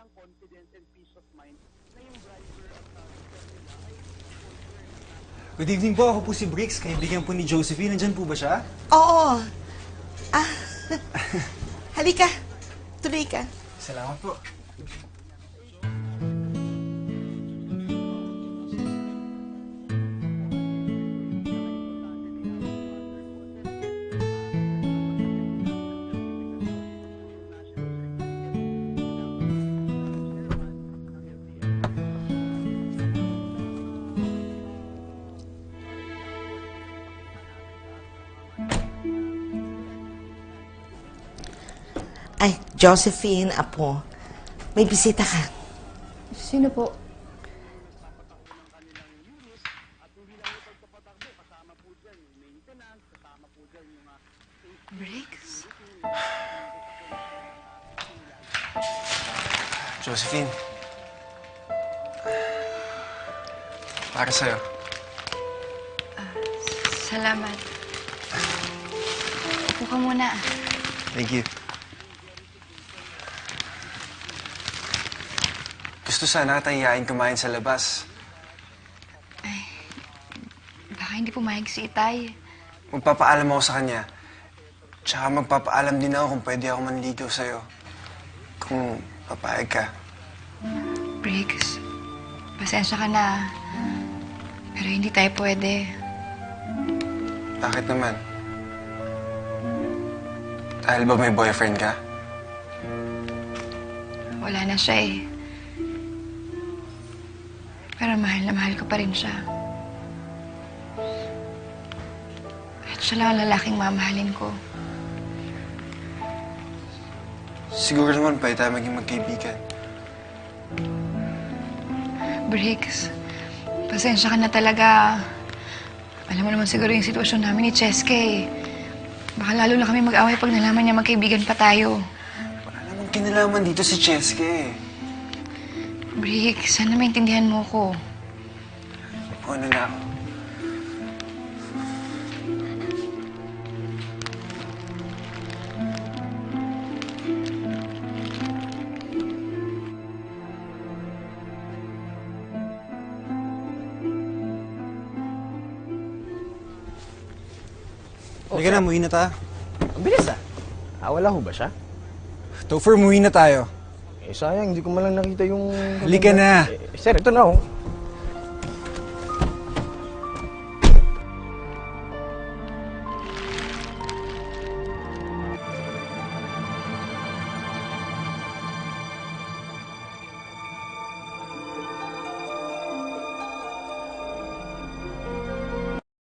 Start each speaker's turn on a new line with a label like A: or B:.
A: Good evening po, ako po si Briggs, kaibigan po ni Josephine. Nandyan po ba siya?
B: Oo. Ah, halika. Tuloy ka.
A: Salamat po.
B: Ay, Josephine, apo. May bisita ka.
C: Sino po?
D: Briggs?
A: Josephine. Para sa'yo.
D: Salamat. Upo ka muna.
A: Thank you. Gusto sana tayayain kumain sa labas.
D: Baka hindi pumayag si Itay.
A: Magpapaalam ako sa kanya. Tsaka magpapaalam din ako kung pwede ako manligaw sa'yo. Kung papayag ka.
D: Briggs, pasensya ka na. Pero hindi tayo pwede.
A: Bakit naman? Dahil ba may boyfriend ka?
D: Wala na siya eh. Pero mahal na mahal ko pa rin siya. At siya lang ang lalaking mamahalin ko.
A: Siguro naman pwede tayo maging magkaibigan.
D: Briggs, pasensya ka na talaga. Alam mo naman siguro yung sitwasyon namin ni Cheske eh. Baka lalo na kami mag-away pag nalaman niya magkaibigan pa tayo.
A: Wala namang kinalaman dito si Cheske.
D: Briggs, sana maintindihan mo ko.
A: Ano na ako? Halika na, muwi na tayo.
E: Ang bilis ah. Wala ho ba siya?
A: Topher, muwi na tayo.
E: Sayang, hindi ko man lang nakita yung...
A: Halika na.
E: Sir, ito na oh.